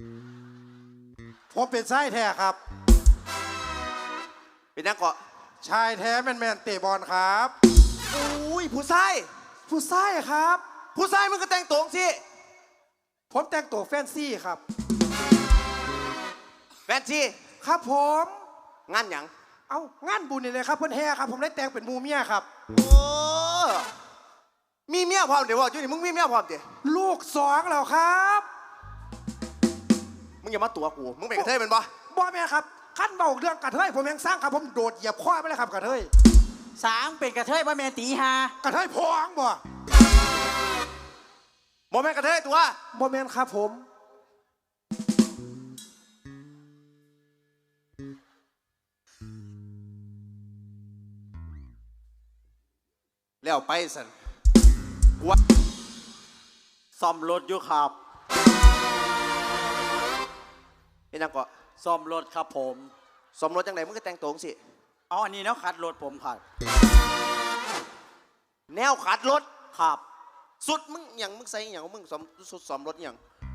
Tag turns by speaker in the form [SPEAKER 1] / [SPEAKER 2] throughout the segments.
[SPEAKER 1] ผมเป็นชายแท้ครับ
[SPEAKER 2] เป็นนักเกาะ
[SPEAKER 1] ชายแท้แมนเตะบอลครับ
[SPEAKER 2] อุ้ยผู้ชาย
[SPEAKER 1] ผู้ชายครับ
[SPEAKER 2] ผู้ชายมึงก็แต่งตัวสิ
[SPEAKER 1] ผมแต่งตัวแฟนซีครับ
[SPEAKER 2] แฟนซี
[SPEAKER 1] ครับผม
[SPEAKER 2] งานหยัง
[SPEAKER 1] เอางานบุญนี่เลยครับเพื่อนแห่ครับผมได้แต่งเป็นมูเมียครับ
[SPEAKER 2] โอ้มีเมียพร้อมเดี๋ยวว่าจุนี่มึงมีเมียพร้อมเดี๋ยว
[SPEAKER 1] ลูก2แล้วครับ
[SPEAKER 2] มึงอย่ามาตัวกูมึงเป็นกระเทยเป็นปะ
[SPEAKER 1] บ่แม่ครับขั้นเบาเรื่องกระเทยผมยังสร้างครับผมโดดเหยียบข้อไปเลยครับกระเทย
[SPEAKER 3] สางเป็นกระเทยบ่แม่นตีหาก
[SPEAKER 1] ระเทยพองบ่
[SPEAKER 2] บ่แม่นกระเทยตัว
[SPEAKER 1] บ่แม่นครับผม
[SPEAKER 2] แล้วไปสัน
[SPEAKER 3] วซ่อมรถอยู่ครับ
[SPEAKER 2] เป็นนักเกาะ
[SPEAKER 3] ซ่อมรถครับผม
[SPEAKER 2] สมรสจังไหนมึงก็แต่งตัวสิ
[SPEAKER 3] เอาอันนี้แล้วขัดรถผมครับ
[SPEAKER 2] แนวขัดรถ
[SPEAKER 3] ครับ
[SPEAKER 2] สุดมึงอย่างมึงใส่อย่างมึงสุดสมรถอย่าง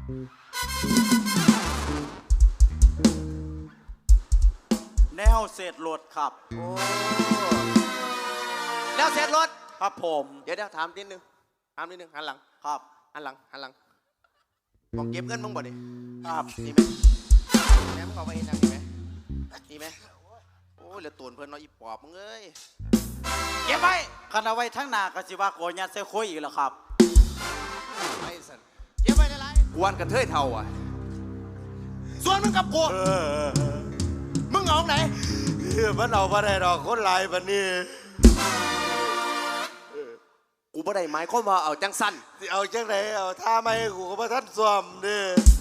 [SPEAKER 3] แนวเศษรถครับ
[SPEAKER 2] โอ้แนวเศษรถ
[SPEAKER 3] ครับผม
[SPEAKER 2] เดี๋ยวถามนิดนึงหันหลัง
[SPEAKER 3] ครับ
[SPEAKER 2] หันหลังมองเก็บเงินมึงบ่ดิ
[SPEAKER 3] ครับ
[SPEAKER 2] นี่ไหมแม่มึงเอาไปเห็นยังนี่ไหมนี่ไหมโอ้ยเหลือตูนเพื่อนน้อยอีปอบมึงเอ้ยเก็บไป
[SPEAKER 3] คันเอาไว้ทั้งหน้ากสิว่าโกยัดใส่คุยอีกแล้วครับ
[SPEAKER 2] ไปสันเก็บไปได้ไรกวนกันเทยเท่าอ่ะส่วนมึงกับกูมึงเอาไหน
[SPEAKER 4] มันเอามาได้ดอกคนลายแบบนี้
[SPEAKER 2] กูบ่ได้หมายความว่าเอาจังสั้น
[SPEAKER 4] เอาจังไหนเอาท่าไม่กูก็มาท่านสวมดิ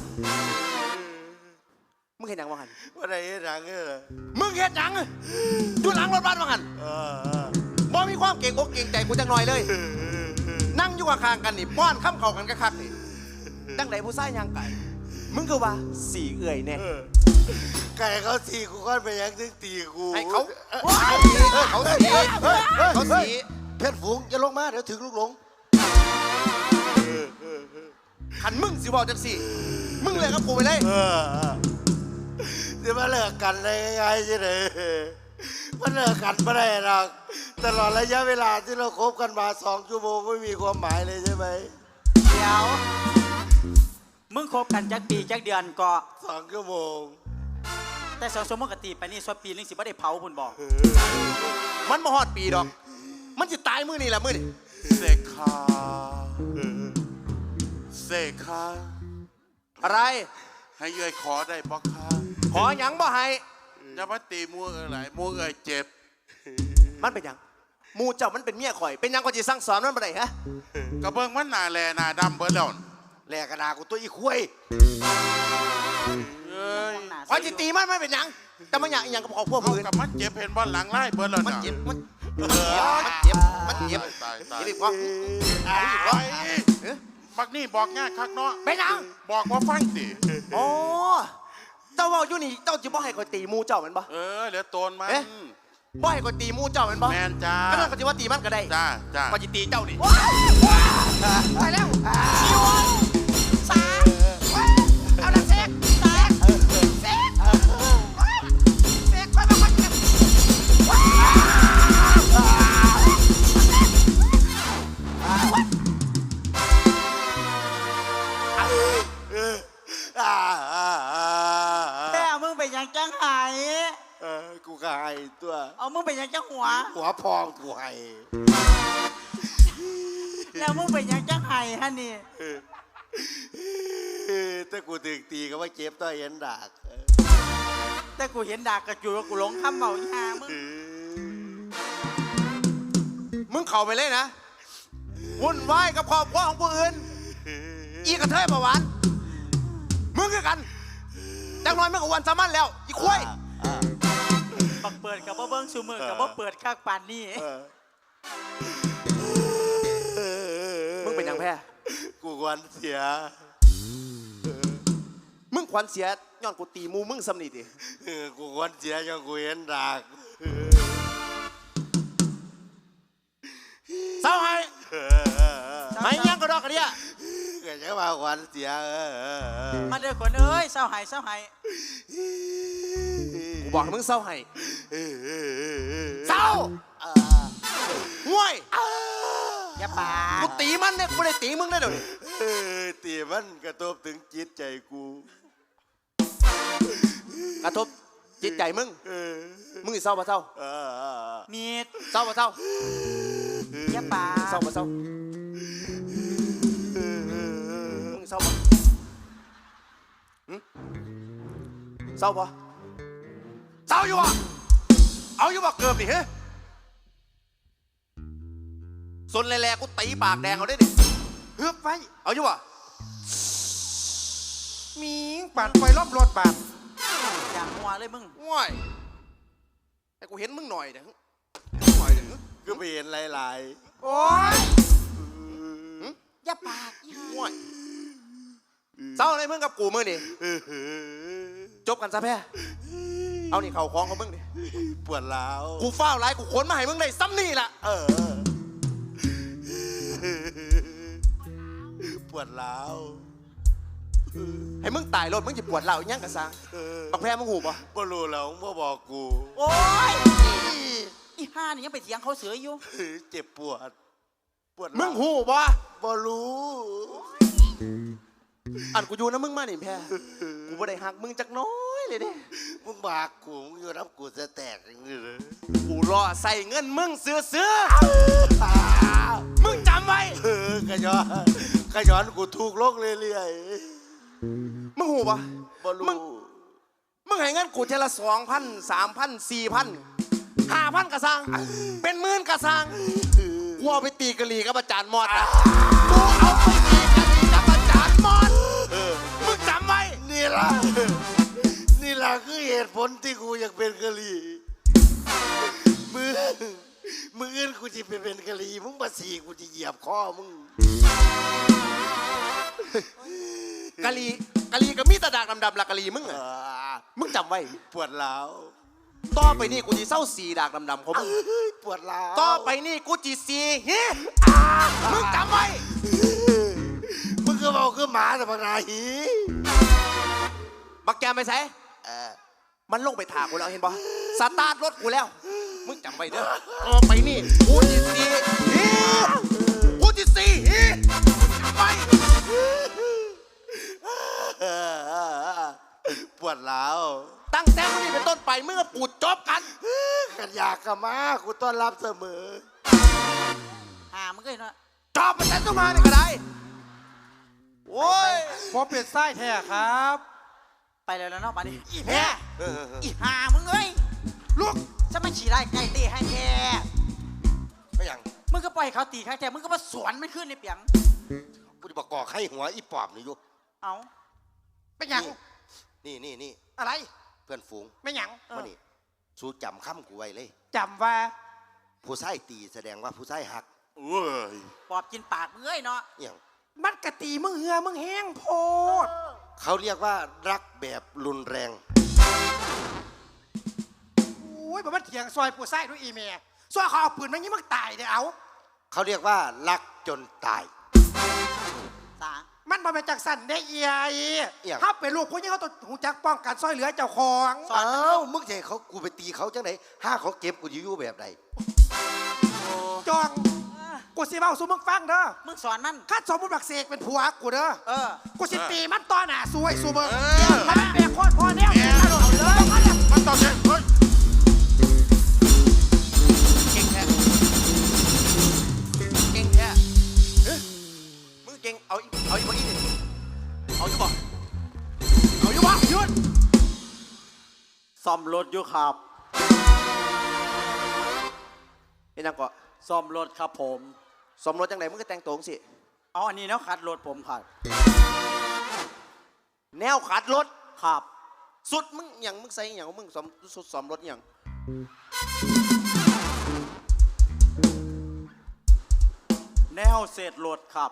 [SPEAKER 2] มึงเห็นหนังว่าหัน
[SPEAKER 4] ว่าได้หนัง
[SPEAKER 2] มึงเห็นหนังอยู่หลังรถบ้านว่าหันบ่มีความเก่งอกเก่งใจกูจังหน่อยเลยนั่งอยู่ข้างๆกันนี่ป้อนข้ามเข่ากันก็คักนี่ดังไหนผู้ชายย่างไก่มึงก็ว่าสีเอื่อยแน่
[SPEAKER 4] ไก่เขาสีกูก็ไปยังถึงตีกู
[SPEAKER 2] ให้เขาสี
[SPEAKER 4] เพชรฝูงอย่าลงมาเดี๋ยวถึงลูกหลง
[SPEAKER 2] ขันมึงสิบอกจังสิมึงเลยกับกูไปเลย
[SPEAKER 4] จะมาเลิกกันได้ง่ายๆใช่ไหมมันเลิกกันไม่ได้หรอกตลอดระยะเวลาที่เราคบกันมา2 ชั่วโมงไม่มีความหมายเลยใช่ไหม
[SPEAKER 3] เดี๋ยวมึงคบกันจักปีจักเดือนก็
[SPEAKER 4] 2 ชั่วโมง
[SPEAKER 3] แต่2 ชั่วโมงกะตีไปนี่ส่วนปีนึงสิบ่ได้เผาพุ่นบอก
[SPEAKER 2] มันมาฮอดปีดอกมันจะตายมื้อนี่แหละมื้อนี่
[SPEAKER 4] เสกขา
[SPEAKER 2] อะไร
[SPEAKER 4] ให้เอ่ยขอได้บ่คะ
[SPEAKER 2] ขอหยังบ่ให้
[SPEAKER 4] อย่ามาตีมัวอะไรมัวเจ็บ
[SPEAKER 2] มันเป็นหยังมูเจ้ามันเป็นเมียข่อยเป็นหยังก็จะสั่งสอนมันบ่ได้ฮะ
[SPEAKER 4] กระเบื้องมันหนาแลหนาดำเบิดแล้ว
[SPEAKER 2] แลกระดากูตัวอีคุยข่อยจะตีมันไม่เป็นหยังแต่มันหยังกับพวกมือ
[SPEAKER 4] กับมันเจ็บเห็นบ่หลังไล่เบิดแล้ว
[SPEAKER 2] มันเจ็บมันเจ็บ
[SPEAKER 4] ตาย
[SPEAKER 2] นี่บอก
[SPEAKER 4] บักนี่บอกง่ายคักเนาะ
[SPEAKER 2] เป็นหยัง
[SPEAKER 4] บอกว่าฟังสิ
[SPEAKER 2] อ๋อเจ้าว่าอยู่นี่เจ้าจะบ่ให้ข่อยตีมูเจ้ามันบ่
[SPEAKER 4] เหลือโตนมัน
[SPEAKER 2] บ่ให้ข่อยตีมูเจ้ามันบ่
[SPEAKER 4] แมนจ้า
[SPEAKER 2] ก็นั่นก็จะว่าตีมันก็ได้
[SPEAKER 4] จ้า
[SPEAKER 2] ข่อยจะตีเจ้านี่
[SPEAKER 3] ไปแล้ว
[SPEAKER 2] สาเอาละเซ็กไปมาคนกัน
[SPEAKER 3] แต่มึงเป็นยังจังไห้
[SPEAKER 4] กูก็ไห้ตัว
[SPEAKER 3] เอามึงเป็นยังจังหัว
[SPEAKER 4] พองกูไห้
[SPEAKER 3] แล้วมึงเป็นยังจังไห้ฮะนี่
[SPEAKER 4] ถ้ากูถึงตีก็ว่าเจ็บต่อเห็นดาก
[SPEAKER 3] แต่กูเห็นดากกระจุยกูหลงคำเบาหา
[SPEAKER 2] มึงเข้าไปเลยนะวุ่นวายกับครอบครัวของผู้อื่นอีกระเทยประวันมึงคือกันจังน้อยมึงกับวันสามันแล้วอีคุย
[SPEAKER 3] บักเปิดกับบ่เบิ้งซูมือกับบ่เปิดข้างปานนี่
[SPEAKER 2] มึงเป็นยังแพ้
[SPEAKER 4] กูควันเสีย
[SPEAKER 2] มึงควันเสียย้อนกูตีมูมึงสำนีดิ
[SPEAKER 4] กูควันเสียยังกูเห็นดาก
[SPEAKER 2] เศร้าให้ไม่ยังก็ดอกกันเนี่ย
[SPEAKER 4] เกิดจะมาขวัญเสีย
[SPEAKER 3] มาเด้อคนเอ้ยเศร้าหายเศร้าหาย
[SPEAKER 2] กูบอกให้มึงเศร้าให้เศร้าห่วย
[SPEAKER 3] อย่าปา
[SPEAKER 2] กูตีมันเนี่ยกูไม่ได้ตีมึงได้เดี๋ยวนี้
[SPEAKER 4] ตีมันกระทบถึงจิตใจกู
[SPEAKER 2] กระทบจิตใจมึงมึงสิเศร้าปะเศร้า
[SPEAKER 3] มีด
[SPEAKER 2] เศร้าปะเศร้า
[SPEAKER 3] อย่าปา
[SPEAKER 2] เศร้าปะเศร้ามึงเศร้าปะเศร้าปะเศร้าอยู่ปะเอาอยู่ปะเกือบดิเฮ้ยสนแหล่ๆกูตีปากแดงเอาได้ดิ
[SPEAKER 1] เฮือบไว้
[SPEAKER 2] เอาอยู่ปะ
[SPEAKER 1] มีปาดไฟรอบรถบาด
[SPEAKER 3] อย่างหัวเลยมึง
[SPEAKER 2] ว้ายไอ้กูเห็นมึงหน่อยเดี๋ยวหน่อยเดี๋ยว
[SPEAKER 4] ก็ไปเห็นหลาย
[SPEAKER 1] โอ้ย
[SPEAKER 3] อย่าปากอีห่า
[SPEAKER 2] ว้ายเศร้าอะไรมึงกับกูมึงดิจบกันซะแพ้เอานี่เข่าคล้องเขามึงดิ
[SPEAKER 4] ปวดร้าว
[SPEAKER 2] กูเฝ้าไรกูขนมาให้มึงได้ซ้ำนี่ล่ะ
[SPEAKER 4] ปวดร้าว
[SPEAKER 2] ให้มึงตายรถมึงจะปวดเหล่าอีกยังกะซังบักแพ้มึงหูปะ
[SPEAKER 4] บ่รู้แล้วบ่บอกกู
[SPEAKER 3] โอ้ยอีห่านี่ยังไปเถียงเขาเสืออยู่
[SPEAKER 4] เจ็บปวดร้าว
[SPEAKER 2] มึงหูปะ
[SPEAKER 4] บ่รู้
[SPEAKER 2] อันกูอยู่นะมึงมาหนิแพ้กูบ่ได้หักมึงจักน้อยเลยดิ
[SPEAKER 4] มึงบากกูมึงอยู่รับกูจะแตกอย่างนี้เลย
[SPEAKER 2] กูรอใส่เงินมึงซื้อมึงจำไว้
[SPEAKER 4] กระย้อนกูถูกลงเรื่อย
[SPEAKER 2] มึงหูปะ
[SPEAKER 4] ๆบ่รู้
[SPEAKER 2] มึงให้เงินกูเทละ2,000 3,000 4,000 5,000กะซังเป็นหมื่นกะซังกูเอาไปตีกะหรี่กับอาจารย์มอดนะกูเอาไปตีกะหรี่กับอาจารย์มอดมึงจำไว้
[SPEAKER 4] นี่ล่ะคือเหตุผลที่กูอยากเป็นกะหรี่มึงอื่นกูจะไปเป็นกะหรี่มึงมาสีกูจะเหยียบคอมึง
[SPEAKER 2] กะหรี่กับมีแตะดากดำๆละกะหรี่มึงอะมึงจำไว้
[SPEAKER 4] ปวดร้าว
[SPEAKER 2] ต่อไปนี่กูจีเศร้าสีดากดำๆของมึง
[SPEAKER 4] ปวดร้าว
[SPEAKER 2] ต่อไปนี่กูจีสีฮิมึงจำไว้
[SPEAKER 4] มึงก็บอกคือหมาแต่ปนาหี
[SPEAKER 2] บักแกมไปใส่มันลงไปถากกูแล้วเห็นปะสตาร์ทรถกูแล้ว มึงจำไว้เด้อต่อไปนี่กูจีสีฮิกูจีสีฮิจำไว้
[SPEAKER 4] ปวดร้าว
[SPEAKER 2] ตั้งแต่วันนี้เป็นต้นไปเมื่อปูดจบกัน
[SPEAKER 4] กันอยากกลับมากูต้อนรับเสมอ
[SPEAKER 3] ห่ามึงก็เห็นว่า
[SPEAKER 2] จอบมันแต่ต้องมาเนี่ยก็ได้โอ้ย
[SPEAKER 1] ผมเป็นไส้แท้ครับ
[SPEAKER 3] ไปแล้วเนาะมาดิ
[SPEAKER 2] อีแพ้
[SPEAKER 3] อีห่ามึงเอ้ย
[SPEAKER 1] ลูก
[SPEAKER 3] จะมาฉี่ไล่ไก่ตีให้แท้
[SPEAKER 4] ไม่ยัง
[SPEAKER 3] มึงก็ปล่อยให้เขาตีข้างแท้มึงก็มาสวนมันขึ้นในเปียง
[SPEAKER 4] กูจะบอกก่อไข้หัวอีปอบนี่อยู่
[SPEAKER 3] เอา
[SPEAKER 1] เป็นหยัง
[SPEAKER 4] นี่
[SPEAKER 1] อะไร
[SPEAKER 4] เพื่อนฝูง
[SPEAKER 1] ไม่หยัง
[SPEAKER 4] มานี่สู้จำคำกูไว้เลย
[SPEAKER 1] จำว่า
[SPEAKER 4] ผู้ชายตีแสดงว่าผู้ชายหักเว้ย
[SPEAKER 3] ปอบกินปากมึงเอ้ยเนาะ
[SPEAKER 4] อย่าง
[SPEAKER 1] มันกะตีมึงเหือมึงแห้งโพด
[SPEAKER 4] เขาเรียกว่ารักแบบรุนแรง
[SPEAKER 1] โอ้ยบอกมันเถียงซอยผู้ไส้ด้วยอีเมียซอยเขาเอาปืนมายิงมึงตายเดี๋ยวเอา
[SPEAKER 4] เขาเรียกว่ารักจนตาย
[SPEAKER 3] สา
[SPEAKER 1] มันมาเป็นจากสันได้เอีย
[SPEAKER 4] เอี่ยง
[SPEAKER 1] ถ้าเป็นลูกผู้หญิงเขาต้องหูจักป้องกันซอยเหลือเจ้าของ
[SPEAKER 4] เอ้ามึงจะให้เขากูไปตีเขาจังไหนถ้าเขาเก็บกูจะอยู่แบบไหน
[SPEAKER 1] จองกูสิเบ้าสู้มึงฟังเด้อ
[SPEAKER 3] มึงสอนมัน
[SPEAKER 1] ข้าสมมุติบักเสกเป็นผัวกูเด้อ
[SPEAKER 3] เออ
[SPEAKER 1] กูสิตีมันต่อหน้าสวยสู้มึงมันแบกโคตรพอแนวเนี่ยเอาเลย
[SPEAKER 4] มันต่อเช่นเฮ้ย
[SPEAKER 2] เก่งแท้เก่งแท้เอ้ยมึงเก่งเอาอีกบ่อีกนี่เอาอยู่บ่เอาอยู่บ่หยุด
[SPEAKER 3] ซ่อมรถอยู่ครับ
[SPEAKER 2] เป็นยังก่อ
[SPEAKER 3] ซ่อมรถครับผม
[SPEAKER 2] สมรสจังไหนมึงก็แต่งตัวจังสิ
[SPEAKER 3] เอาอันนี้เนาะขัดรถผมครับ
[SPEAKER 2] แนวขัดรถ
[SPEAKER 3] ครับ
[SPEAKER 2] สุดมึงอย่างมึงใส่อย่างมึงสุดสมรถอย่าง
[SPEAKER 3] แนวเศษรถครับ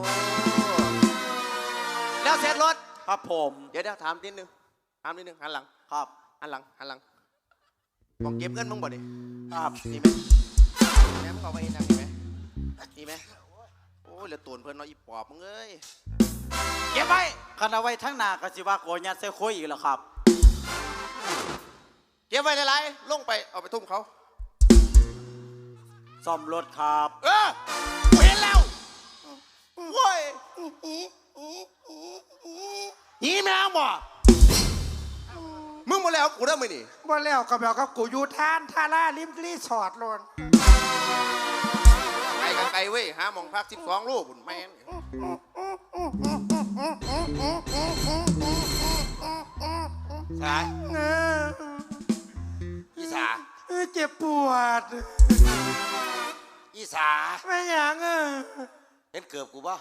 [SPEAKER 2] แล้วเสร็จรถ
[SPEAKER 3] ครับผม
[SPEAKER 2] เดี๋ยวถามนิดนึงหันหลัง
[SPEAKER 3] ครับ
[SPEAKER 2] หันหลังมองเก็บเงินมึงบ่ดิ
[SPEAKER 3] ครับ
[SPEAKER 2] นี่ไหมแม่มึงเอาไปเห็นยังนี่ไหมโอ้ยเหลือตูนเพิ่นเนาะอีปอบมึงเอ้ย
[SPEAKER 3] คันเอาไว้ทั้งหน้าก็สิว่าโกยัดใส่โคยอีกแล้วครับ
[SPEAKER 2] เก็บไว้หลายๆลงไปเอาไปทุ่มเขา
[SPEAKER 3] ซ่อมรถครับ
[SPEAKER 2] กูเห็นแล้วโว้ยหีแมวบ่มึงมาแล้วกูได้ไหมนี่
[SPEAKER 1] ว่าแล้วก็แบบกับกูอยู่ท่านท่าล่าริมรีสอร์ทโลน
[SPEAKER 2] ไกลกันไกลเว้ยหาหมองพัก12 ลูกบุญแม่น
[SPEAKER 4] สาย
[SPEAKER 1] เออ
[SPEAKER 4] อีสา
[SPEAKER 1] เจ็บปวด
[SPEAKER 4] อีสา
[SPEAKER 1] ไม่หยัง
[SPEAKER 4] เห็นเกือบกูปะ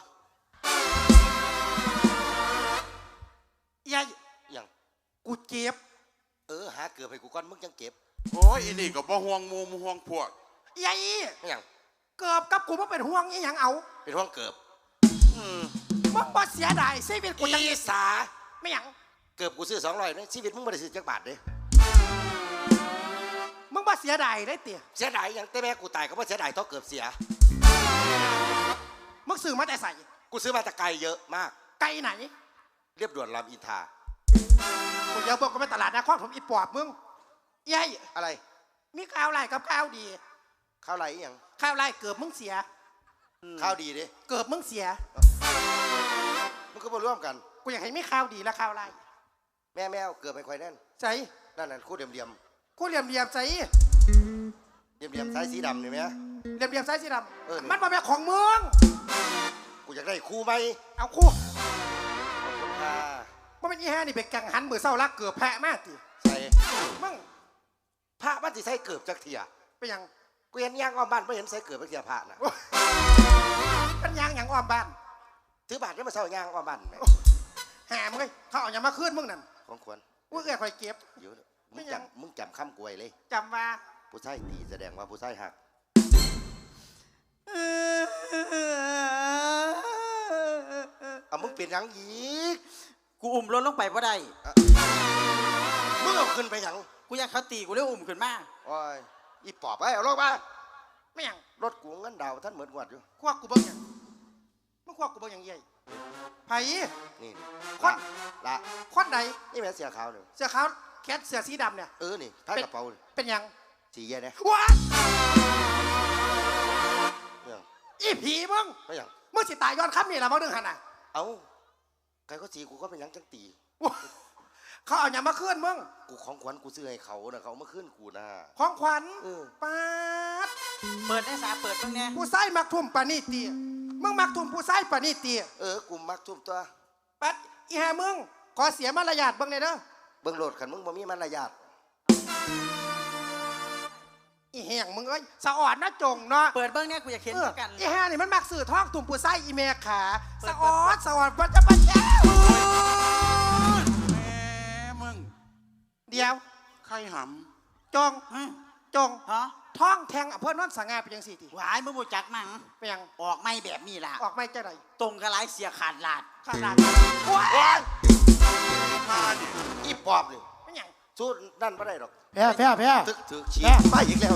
[SPEAKER 1] ยาย
[SPEAKER 4] ยัง
[SPEAKER 1] กูเจ็บ
[SPEAKER 4] หาเกือบให้กูก่อนมึงยังเก็บ
[SPEAKER 5] โอ้ยอีนี่ก็บ่ห่วงหมูมห่วงพวก
[SPEAKER 1] ยาย
[SPEAKER 4] ไม่ยัง
[SPEAKER 1] เกือบกับกูมาเป็นห่วงอีหยังเอา
[SPEAKER 4] เป็นห้องเกือบ
[SPEAKER 1] มึงบ่เสียดายชีวิตกูจัง
[SPEAKER 4] อีสา
[SPEAKER 1] ไม่หยัง
[SPEAKER 4] เกือบกูซื้อ200นะชีวิตมึงไม่ได้ซื้อจักบาทเลย
[SPEAKER 1] มึงบ่เสียดายได้เตี๋ย
[SPEAKER 4] เสียดายยังแต่แม่กูตายก็ไม่เสียดายเท่าเกือบเสีย
[SPEAKER 1] มึงซื้อมาแต่ใส่
[SPEAKER 4] กูซื้อมาแต่ไกลเยอะมาก
[SPEAKER 1] ไกลไหน
[SPEAKER 4] เรียบด่วนรามอินทรา
[SPEAKER 1] กูเดี๋ยวบอกก็ไปตลาดนะครผมอีปอบมึงยาย
[SPEAKER 4] อะไร
[SPEAKER 1] มีข้าวไรกับข้าวดี
[SPEAKER 4] ข้าวไรอีหยัง
[SPEAKER 1] ข้าวไรเกือบมึงเสีย
[SPEAKER 4] ข้าวดีดิ
[SPEAKER 1] เกือบมึงเสีย
[SPEAKER 4] มึงก็มาร่วมกัน
[SPEAKER 1] กูอยากให้มีข้าวดีและข้าวไร
[SPEAKER 4] แม่แมวเกือบไปควายแน่น
[SPEAKER 1] ใส่
[SPEAKER 4] นั่นน่ะคู่เดียมเดียม
[SPEAKER 1] กูเหลี่ยมเหลี่ยมใส่
[SPEAKER 4] เดียมเดียมสายสีดำนี่ไหม
[SPEAKER 1] เหลี่ยมเหลี่ยมใส่สีด
[SPEAKER 4] เออนี่
[SPEAKER 1] ำมันบ่เป็นของมึง
[SPEAKER 4] กูอยากได้คู่ไหม
[SPEAKER 1] เอาคู่
[SPEAKER 4] ขอบคุณค่ะ
[SPEAKER 1] ว่าเป็นอีแห่นี่เป็นกังหันมือเศร้ารักเกือบแพะมากติ
[SPEAKER 4] ใส่
[SPEAKER 1] มึง
[SPEAKER 4] พระมันสิใส่เกือบจักเทีย
[SPEAKER 1] เป็นหยัง
[SPEAKER 4] กูเห็นย่างอ้อมบ้านไม่เห็นใส่เกือบจักเทียพระนะ
[SPEAKER 1] เป็นหยังหยังอ้อมบ้าน
[SPEAKER 4] ถือบาทได้มาเศร้าย่างอ้อมบ้านไหม
[SPEAKER 1] แหมมึงเอ้ยเขาเอาหยังมาคืนมึงนั่น
[SPEAKER 4] ของควร
[SPEAKER 1] กูเอ้ยคอยเก็บ
[SPEAKER 4] อยู่
[SPEAKER 1] ไม่
[SPEAKER 4] มึง
[SPEAKER 1] ยัง
[SPEAKER 4] มึงจำคำกวยเลย
[SPEAKER 1] จำว่า
[SPEAKER 4] ผู้ชายตีแสดงว่าผู้ชายหักเอามึงเป็นหยังอีก
[SPEAKER 3] กูอุ้มรถลงไปบ่ได้
[SPEAKER 4] มึงเอาขึ้นไปหยัง
[SPEAKER 3] กูอยากเขาตีกูเลยอุ้มขึ้นมา
[SPEAKER 4] โอ้ยอีปอบไอ้เอาลงมา
[SPEAKER 1] ไม่หยัง
[SPEAKER 4] รถกูเงินดาวท่านเหมือนงวดอยู่
[SPEAKER 1] ควักกูเบิ่งหยังมึงควักกูเบิ่งหยังเย่ยไผ
[SPEAKER 4] นี่
[SPEAKER 1] คน
[SPEAKER 4] ละ
[SPEAKER 1] คนใด
[SPEAKER 4] นี่แม่เสียขาวเนี่ย
[SPEAKER 1] เสื้อขาวแคทเสื้อสีดำเนี่ย
[SPEAKER 4] นี่ท้ายกระเป๋านี่
[SPEAKER 1] เป็นหยัง
[SPEAKER 4] สีแย่เนี่ย
[SPEAKER 1] ว้า
[SPEAKER 4] เนี่ย
[SPEAKER 1] อีผีมึง
[SPEAKER 4] ไม่หยัง
[SPEAKER 1] มึงสิตายย้อนค่ำนี่ละมึงดึงหันน่ะ
[SPEAKER 4] เอาใครก็สีกูก็เป็นหยังจังตี
[SPEAKER 1] เขาเอาหยังมาคืนมึง
[SPEAKER 4] กูของขวัญกูซื้อให้เขานะเขาเอามาขึ้นกูนะ
[SPEAKER 1] ของขวัญ
[SPEAKER 4] เออ
[SPEAKER 1] ป๊าด
[SPEAKER 3] เปิดได้สาเปิดเบิ่งแน่
[SPEAKER 1] ผู้ชายมักทุ่มปานี่ตีมึงมักทุ่มผู้ชายปานี่ตี
[SPEAKER 4] กูมักทุ่มตัว
[SPEAKER 1] ปัดอีห่ามึงขอเสียมารยาทเบิ่งเลยเด้อ
[SPEAKER 4] เบิ่งโหลดขันมึงบ่มีมารยาท
[SPEAKER 1] อีแห่งมึงเอ้ยสะอ่อนนะจงเนาะ
[SPEAKER 3] เปิดเบิ่งแน่กูอยากเห็น
[SPEAKER 1] เอ
[SPEAKER 3] เห
[SPEAKER 1] อ
[SPEAKER 3] มือนกัน
[SPEAKER 1] อีห่านี่มันมักสื่อท้องตุ่มผู้ชายอีเมขาสะอ่อนสะอ่อนปัจจุบันแล้ว
[SPEAKER 5] แม่มึง
[SPEAKER 1] เดี๋ยว
[SPEAKER 5] ไข่ห
[SPEAKER 1] จงจง
[SPEAKER 3] ฮะ
[SPEAKER 1] ท้องแทงอำเภอโนนสง่าเป็นยังสี่ที
[SPEAKER 3] หวายมึงบ่จักหนัง
[SPEAKER 1] เป็นยัง
[SPEAKER 3] ออกไม่แบบนี้ล่ะ
[SPEAKER 1] ออกไม่เจ้าไหน
[SPEAKER 3] ตรงกระไรเสียขาดลาด
[SPEAKER 1] ขนาดว้าย
[SPEAKER 5] ำมาดิ
[SPEAKER 4] อีปอบนี่
[SPEAKER 1] เป็นยัง
[SPEAKER 4] สู้นั่นไม่ได้หรอก
[SPEAKER 1] แพ้แพ้แพ้
[SPEAKER 4] ถึกถือชี้ไปอีกแล้ว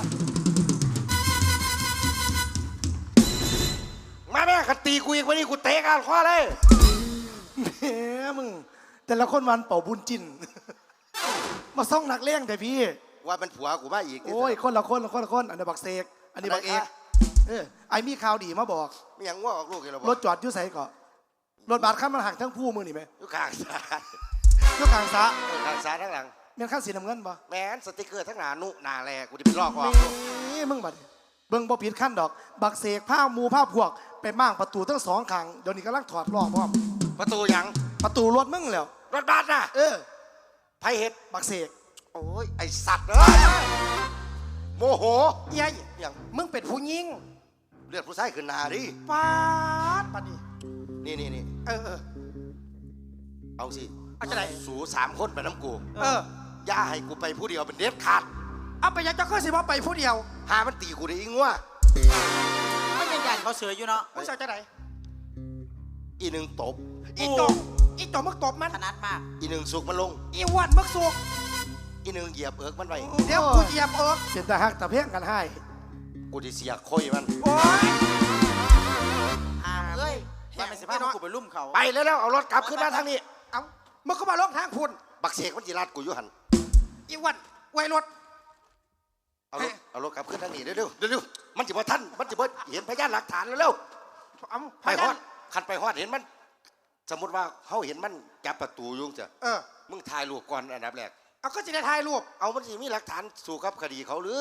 [SPEAKER 4] มาแม่ขันตีกูอีกวันนี้กูเตะกันข้อเลย
[SPEAKER 6] แหมมึงแต่ละคนวันเป่าบุญจิน มาซ่องนักเลี้ยงแต่พี่
[SPEAKER 4] ว่ามันผัวกูมาอีก
[SPEAKER 6] โอ้ยคนละคนอันนี้บักเสกอันนี้บักเอกไอ้มีข่าวดีมาบอก
[SPEAKER 4] ไม่ยังว่าออกลูกกันหรอ
[SPEAKER 6] รถจอดอยู่ไสก่อนรถบัสขั้นมันหักทั้งผู้มือนี่ไหม
[SPEAKER 4] อยู่ข้างซ้าย
[SPEAKER 6] อยู่กลางสระ
[SPEAKER 4] ข้างซ้ายทั้งหลัง
[SPEAKER 6] เมียนขั้นสีน้ำเงินปะ
[SPEAKER 4] แมนสติกเกอร์ทั้งหนานุหนาแลกูจะไปลอกออก
[SPEAKER 6] นี่มึงบัดเบิ่งบ่ผิดขั้นดอก บักเสกผ้ามูผ้าพวกไปมั่างประตูทั้งสองข้างเดี๋ยวนี้กำลังถอดล้อพร้อม
[SPEAKER 4] ประตูยัง
[SPEAKER 6] ประตูรถมึงแล้ว
[SPEAKER 4] รถบัสน่ะ ไพเฮ็ด
[SPEAKER 6] บักเสก
[SPEAKER 4] โอ้ยไอสัตว์เอ้ยโมโห
[SPEAKER 1] เยัย
[SPEAKER 4] ยัง
[SPEAKER 1] มึงเป็นผู้หญิง
[SPEAKER 4] เลือดผู้ชายขึ้นหนาดิ
[SPEAKER 1] ปาดปานี่
[SPEAKER 4] นี่
[SPEAKER 1] เออ
[SPEAKER 4] เอาสิ
[SPEAKER 1] เอาจะไหน
[SPEAKER 4] สู3 คนไปน้ำกู
[SPEAKER 1] อย่
[SPEAKER 4] าให้กูไปผู้เดียวเป็นเด็ดขาด
[SPEAKER 1] เอาไปยังจะขึ้นสิว่าไปผู้เดียว
[SPEAKER 4] หามันตีกูได้อีงัว
[SPEAKER 3] ไม่เป็นยันเขาเสืออยู่เนาะ
[SPEAKER 1] มึงจะไหน
[SPEAKER 4] อีหนึ่งตบ
[SPEAKER 1] อีจงมึงตบมัน
[SPEAKER 3] ถนัดมาก
[SPEAKER 4] อีหนึ่งสุกมันลง
[SPEAKER 1] อีอ้วันมึงสุก
[SPEAKER 4] อีหนึ่งเหยียบเอิกมันไว้
[SPEAKER 1] เดี๋ยวกูเหยียบเอิก
[SPEAKER 6] เป็นแต่หักแต่เพียงกันให้
[SPEAKER 4] กูจะเสียค่อยมัน
[SPEAKER 1] โอ้ย
[SPEAKER 3] อามเอ้ยว่าไม่สิพาพวกกูไปลุ่มเขา
[SPEAKER 4] ไปแล้วเอารถกลับขึ้นมาทางนี้
[SPEAKER 1] เอ้ามึงก็มาลงทางพุ่น
[SPEAKER 4] บักเสกมันจิรัดกูอยู่หัน
[SPEAKER 1] อีวันไว้รถ
[SPEAKER 4] เอารถกลับขึ้นทางนี้เร็วมันจะบ่ทันมันจะบ่เห็นพยานหลักฐานเร็ว
[SPEAKER 1] เอ้า
[SPEAKER 4] ไปฮอดคันไปฮอดเห็นมัน สมมติว่าเขาเห็นมันจับประตูอยุ่งจ้ะ มึงถ่ายรูปก่อนอันดับแรก
[SPEAKER 1] เอาก็จะได้ถ่ายรูป
[SPEAKER 4] เอามันสิมีหลักฐานสู่กับคดีเขาหรือ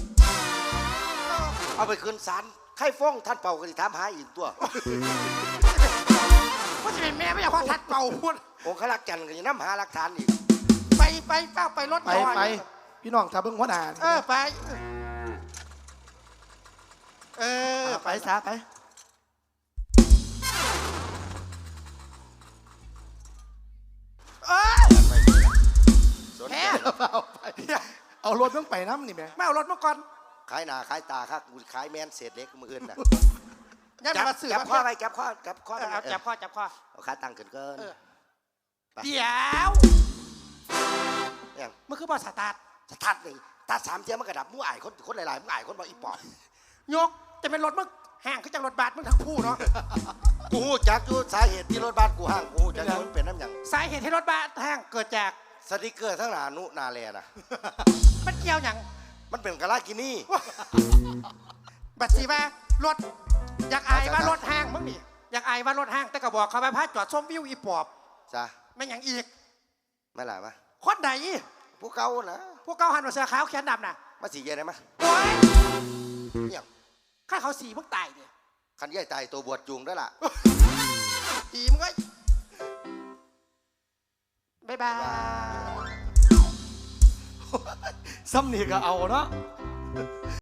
[SPEAKER 4] เอาไปคืนศาลใครฟ้องท่านเป่าก็สิถามหาอีกตัว
[SPEAKER 1] ว่าจะเป็นแม่ไม่อยากว่าทัดเป่าพุ่น
[SPEAKER 4] องค์ขลักจันทร์ก็จะนำหาหลักฐานอีก
[SPEAKER 1] ไปเฝ้าไปรถ
[SPEAKER 6] ไป
[SPEAKER 1] ก่อน
[SPEAKER 6] ไปพี่น้องถ้าเบิ่งหัวหน้านี่
[SPEAKER 1] ไป
[SPEAKER 6] ไปซะไป
[SPEAKER 4] สน
[SPEAKER 1] แพ้
[SPEAKER 4] ใจ
[SPEAKER 6] เอาไปเอารถต้องไปน้ำนี่แม่
[SPEAKER 1] ไม่เอารถมาก่อน
[SPEAKER 4] ขายหน้าขายตาครับกูขายแมนเศษเล็กมืออื่นน่ะ
[SPEAKER 1] ยัน
[SPEAKER 4] จับ
[SPEAKER 1] มาสื่อ
[SPEAKER 4] จับ
[SPEAKER 1] มา
[SPEAKER 4] ข้อไปจับข้อ
[SPEAKER 1] เอาจับข้อจับข้อ
[SPEAKER 4] เอาขาตั้งขึ้นเกิน
[SPEAKER 1] เดี๋ยว
[SPEAKER 4] อย่าง
[SPEAKER 1] มันคือบอสตาร์ท
[SPEAKER 4] สตาร์ทนี่ตาสามเทียมันกระดับมู่อายคนหลายๆมู่อายคนบอกอีปอบ
[SPEAKER 1] ยกจะเป็นรถมึงห่างขึ้นจากรถบัสมึงทั้งคู่เนาะ
[SPEAKER 4] กูฮู้จักอยู่สาเหตุที่รถบ้านกูห้างกูฮู้จักอยู่มันเป็นน้ำหยัง
[SPEAKER 1] สาเหตุที่รถบัสห่างเกิดจาก
[SPEAKER 4] สติกเกอร์ทั้งหนานุนาแลนะ
[SPEAKER 1] มันเกี่ยวอย่าง
[SPEAKER 4] มันเป็นกะลากินี่
[SPEAKER 1] บัตรสีว่ารถอยากอายว่ารถห้างมึงนี่อยากอายว่ารถห้างแต่ก็บอกเขาไปพาจอดชมวิวอีปอบ
[SPEAKER 4] จ้ะ
[SPEAKER 1] ไม่อย่างอีก
[SPEAKER 4] ไม่หลายมะ
[SPEAKER 1] คนไหน
[SPEAKER 4] ผู้เก่านะ
[SPEAKER 1] พวกเก้าหันมาเสื้อขาวแขนดำน่ะ
[SPEAKER 4] มาสีเย็นได้มะ
[SPEAKER 1] โอ้ย
[SPEAKER 4] เนี่ย
[SPEAKER 1] ข้าเขาสีมึงตายเนี่ย
[SPEAKER 4] คันใหญ่ตายตัวบวชจุงได้ล่ะ
[SPEAKER 1] สีมึงก็บ๊ายบาย
[SPEAKER 6] ซ้ำนี่ก็เอาเนาะ